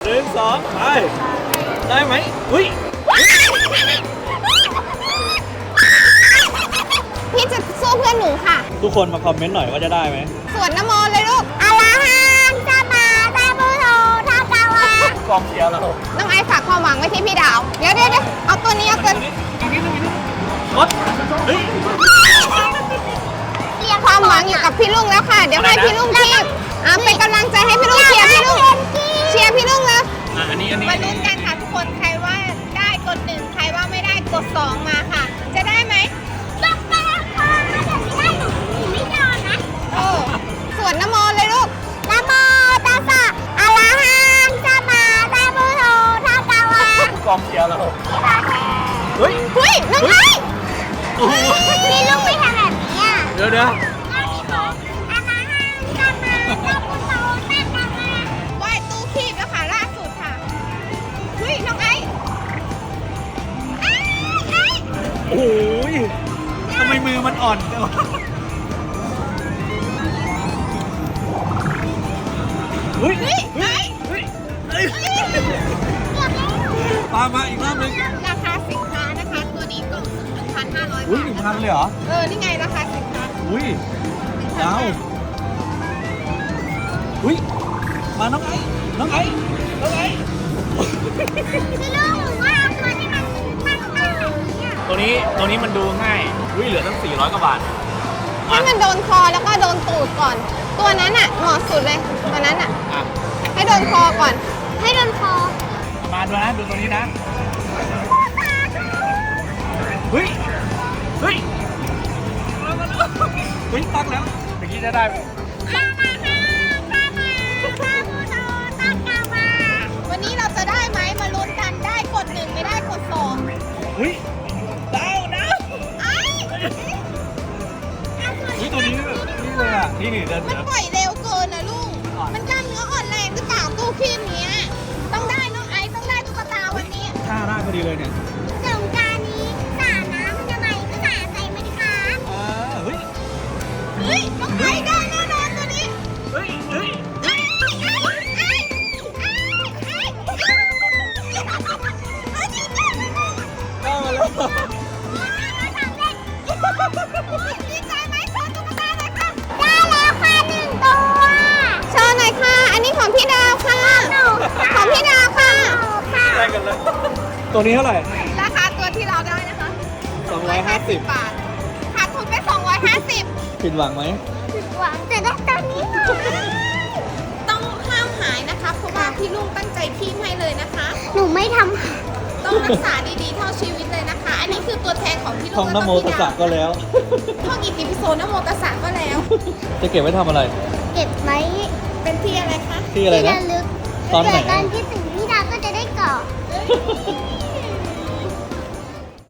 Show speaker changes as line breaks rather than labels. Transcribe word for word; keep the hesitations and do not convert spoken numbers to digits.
นึ่งสองไปได้ไหมอุ้ย
พี่จะสู้เพื่อนหนูค่ะ
ทุกคนมาคอมเมนต์หน่อยว่าจะได้ไหม
สวดนโมเลยลูกอะระหังสัมมาสัมพุทโธทักกะวะ
กองเชียร์เรา
น้องไอซ์ฝากความหวังไว้ที่พี่ดาวเดี๋ยวเดี๋ยวเอาตัวนี้เอาตัวนี้
รถเฮ้ย
ความหวังอยู่กับพี่ลุงแล้วค่ะเดี๋ยวให้พี่ลุงคีบอ่ะเป็นกำลังใจให้พี่ลุงเชียร์พี่ลุงเชียร์พี่ลุงแล้ว
อันนี้อันนี้
มาลุ้นกันค่ะทุกคนใครว่าได้กดหนึ่งใครว่าไม่ได้กดสองมาค่ะจะได้ไหมต้องไปค่ะเดี๋ยวไม่ได้หนูไม่ยอมนะโอ้สวดนโมเลยลูกนโมตัสสะอะระหังสัมมาสัมพุทโธทักกะวะ
กองเชียร์เราเฮ้ย
เฮ้ยน้องไอซ์พี่ลุงไม่ทำแบบนี้อ่ะ
เดี๋ยวเดี๋ยว
ไหว้ตู้คีบแล้วค่ะล่าสุดค่ะเฮ้ยน้องไอซ์
โอ้ยทำไมมือมันอ่อนจังวะเฮ้ยเฮ้ยเฮ้ยเฮ้ยเฮ้ยตามมาอีกรอบนึง
ราคาสินค้านะคะตัวนี้กล่องสุ่มหนึ่งพันห้าร้อยบาท
อุ้ยหนึ่งพันเลยเหรอ
เออนี่ไงราคาสินค้า
อุ้ยดาวอุ้ยมาน้องไอ้น้องไอ้น้องไอ้
พี่ลุงหนูว่าเอาตัวที่มันตั้งๆแบบนี้อ่ะ
ตัวนี้ตัวนี้มันดูง่ายอุ้ยเหลือตั้งสี่ร้อยกว่าบาท
ให้มันโดนคอแล้วก็โดนตูดก่อนตัวนั้นอ่ะเหมาะสุดเลยตัวนั้นอ่ะให้โดนคอก่อนให้โดนคอ
มาดูนะดูตัวนี้นะเฮ้ยเฮ้ยเฮ้ยตั้งแล้วเมื่อกี้จะได้
วันนี้เราจะได้ไหมมาลุ้นกันได้กดหนึ่งไม่ได้กดสอง
อุ้ยดาวดาว
ไอ้
อุ้ยตัวนี้นี่เลยอ่ะนี่นี่เดิน
มันปล่อยเร็วเกินนะลุงมันกล้ามเนื้ออ่อนแรงหรือเปล่าตู้คีบเนี้ยต้องได้น้องไอซ์ต้องได้ตุ๊กตาวันนี้
ท่าได้พอดีเลยเนี่ย
สงกรานต์นี้สาน้ำทำไมก็สาใจมันคะ
อ่าเฮ้ย
เฮ้ยน้องไอซ์ได้แน่นอนตัวนี้
เฮ้ยเฮ้ยได้มาแล้ว
ดีใจไหมโชว์ตุ๊กตาหน่อยค่ะได้แล้วค่ะหนึ่งตัวโชว์หน่อยค่ะอันนี้ของพี่ดาวค่ะของพี่ดาวค่ะ
ได้กันเลยตัวนี้เท่าไหร่
ราคาตัวที่เราได้นะคะ
สองร้อยห้าสิบบ
าทขาดทุนไปสองร้อยห้าสิบ
ผิดหวังไหม
ผิดหวังแต่ได้ตัวนี้ต้องห้ามหายนะคะเพราะว่าพี่ลุงตั้งใจคีบให้เลยนะคะหนูไม่ทำต้องรักษาดีๆเท่าชีวิตเลยนะคะอันนี้คือตัวแทนของพี่ลุง
ท่องนโมตัสสะก็แล้ว
ท่องอิติปิโสนโมตัสสะก็แล้ว
จะเก็บไว้ทำอะไร
เก็บไว้เป็นที่อะไรคะ
ที่อะไรนะ
ตอนไหนการคิดถึงพี่ดาวก็จะได้เกาะ